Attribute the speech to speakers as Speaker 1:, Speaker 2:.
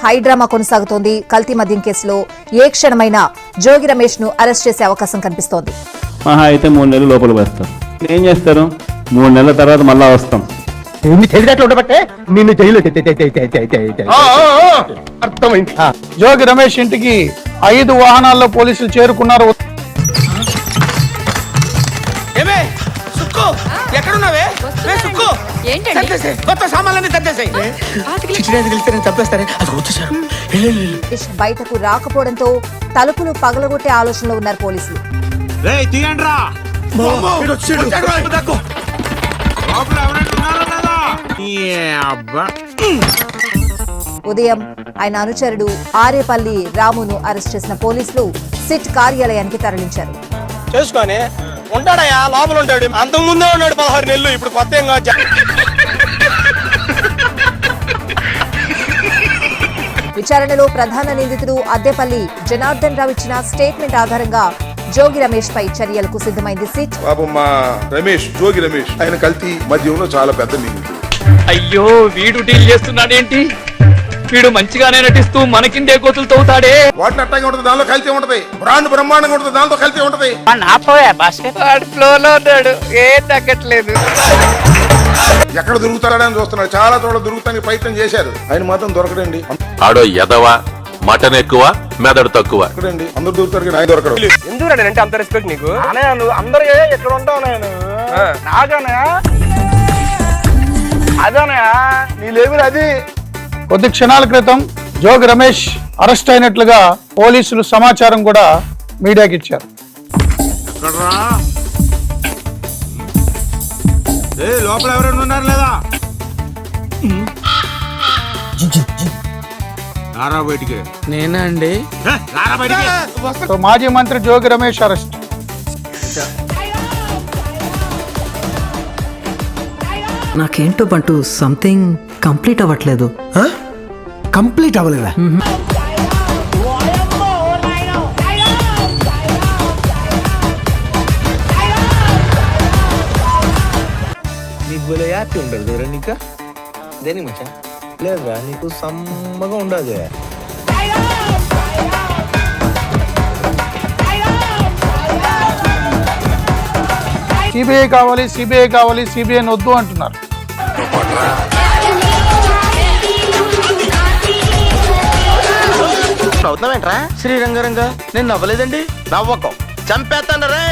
Speaker 1: High drama కొనసాగుతోంది. కల్తీ మద్యం కేసులో ఏ క్షణమైనా జోగి రమేష్ ను అరెస్ట్ చేసే అవకాశం కనిపిస్తోంది.
Speaker 2: మహా అయితే 3 నెలలు లోపల వేస్తారు. ఏం చేస్తారు? 3 నెలల తర్వాత మళ్ళా వస్తాం.
Speaker 3: అర్థమైంది. జోగి రమేష్ ఇంటికి 5 వాహనాల్లో పోలీసులు చేరుకున్నారు.
Speaker 1: బయటకు రాకపోవడంతో తలుపులు పగలగొట్టే ఆలోచనలో ఉన్నారు పోలీసులు. ఉదయం ఆయన అనుచరుడు ఆరేపల్లి రామును అరెస్ట్ చేసిన పోలీసులు సిట్ కార్యాలయానికి తరలించారు.
Speaker 4: చేసుకొని ఉంటాడయా, లోపల ఉంటాడు. అంతకు ముందే ఉన్నాడు 16 నెలలు. ఇప్పుడు కొత్త ఏం కాదు.
Speaker 1: విచారణలో ప్రధాన నిందితుడు అద్దెపల్లి జనార్దన్ రావు ఇచ్చిన స్టేట్మెంట్ ఆధారంగా జోగి రమేష్ పై చర్యలకు సిద్ధమైంది సిట్.
Speaker 5: పాపం మా రమేష్, జోగి రమేష్ ఆయన కల్తీ మద్యంలో చాలా పెద్ద నిందితుడు.
Speaker 6: అయ్యో, వీడు డీల్ చేస్తున్నాడేంటి? వీడు మంచిగానే నటిస్తూ మనకిందే గోతులు తవ్వుతాడే.
Speaker 5: వాటిని అట్టగా ఉంటుంది, దానిలో కల్తీ ఉంటది. బ్రాండ్ బ్రహ్మాండంగా ఉంటుంది, దాంతో కల్తీ ఉంటది.
Speaker 6: ఏం తగ్గట్లేదు.
Speaker 5: ఎక్కడ దొరుకుతాడని చూస్తున్నాడు. చాలా చోట్ల దొరుకుతానికి ప్రయత్నం చేశారు. ఆయన మాత్రం దొరకడండి.
Speaker 7: ఆడో ఎదవా, మటన్ ఎక్కువ మెదడు తక్కువ.
Speaker 5: అందరు దొరుకుతారు కానీ ఆయన దొరకడు.
Speaker 4: ఎందుకు అంటే అంత రెస్పెక్ట్ నీకు? నువ్వు అందరు ఎక్కడ ఉంటావు నేను నాగానే అదేనా నీ లేవులు అది.
Speaker 3: కొద్ది క్షణాల క్రితం జోగి రమేష్ అరెస్ట్ అయినట్లుగా పోలీసులు సమాచారం కూడా మీడియాకి ఇచ్చారు.
Speaker 5: లోపల ఎవరైనా ఉన్నారు లేదా? బయటికి
Speaker 6: నేనా అండి?
Speaker 3: మాజీ మంత్రి జోగి రమేష్ అరెస్ట్.
Speaker 8: నాకేంటో బంటూ సంథింగ్ కంప్లీట్ అవ్వట్లేదు.
Speaker 9: కంప్లీట్ అవ్వలేదా?
Speaker 4: నీకు భలే హ్యాపీ ఉండదు దూరం నీకు. దేనికి మచ్చా లేదురా, నీకు సమ్మగా ఉండదు.
Speaker 3: సిబిఐ కావాలి, సిబిఐ కావాలి, సిబిఐ వద్దు అంటున్నారు.
Speaker 4: అవుతున్నావేంట్రా శ్రీరంగరంగా? నేను నవ్వలేదండి. నవ్వకం చంపేస్తాను రే.